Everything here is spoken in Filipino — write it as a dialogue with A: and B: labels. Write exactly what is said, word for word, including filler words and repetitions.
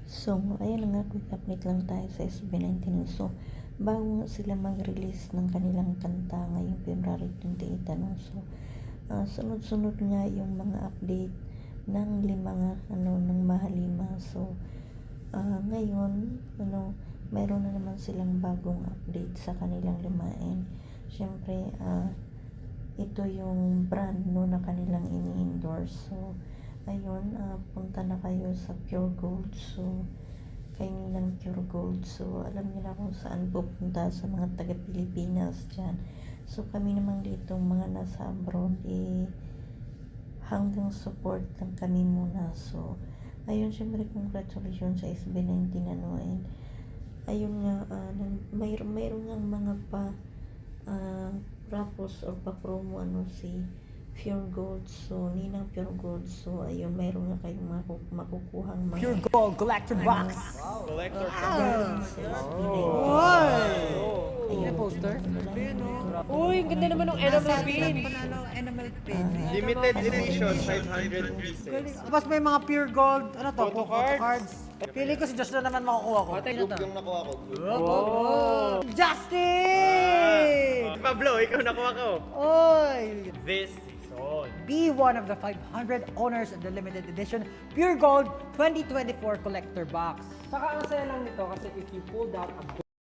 A: So, ayan na nga, quick update lang tayo sa S B nineteen. So, bago nga sila mag-release ng kanilang kanta ngayong February twenty-eight, ano, so, uh, sunod-sunod nga yung mga update ng lima nga, ano, ng Mahalima. So, uh, ngayon, ano, mayroon na naman silang bagong update sa kanilang limain. Siyempre, uh, ito yung brand, no, na kanilang ini-endorse. So, ayun, uh, punta na kayo sa Pure Gold. So, kayo nilang Pure Gold. So, alam niyo na kung saan pupunta sa mga taga-Pilipinas dyan. So, kami naman dito, mga nasa abroad, eh, hanggang support lang kami muna. So, ayun, syempre, congratulations sa S B nineteen, ano, and ayun nga, uh, mayroon mayroon nga mga pa uh, rapos or pa-promo, ano, si Pure Gold. So, Ninang Pure Gold. So, ayun, mayroon nga kayong maku makukuhang mga
B: Pure Gold Collector Box.
C: Wow. Collector
A: galing sa S B nineteen.
B: Ayun,
A: Ayun,
B: poster.
A: ayun,
B: Uy, ang ganda naman ng enamel pin.
D: Enamel pin.
C: Limited edition, five hundred pieces.
D: Tapos may mga pure gold, ano to?
C: Photo cards.
D: Pili ko si Josh na naman makukuha ko.
C: Group yung nakuha ko.
D: Oh! Justin!
C: Pablo, ikaw nakuha ko.
D: Oy!
C: This season.
D: Be one of the five hundred owners of the limited edition Pure Gold twenty twenty-four Collector Box.
B: Saka ang saya lang nito kasi if you pulled out a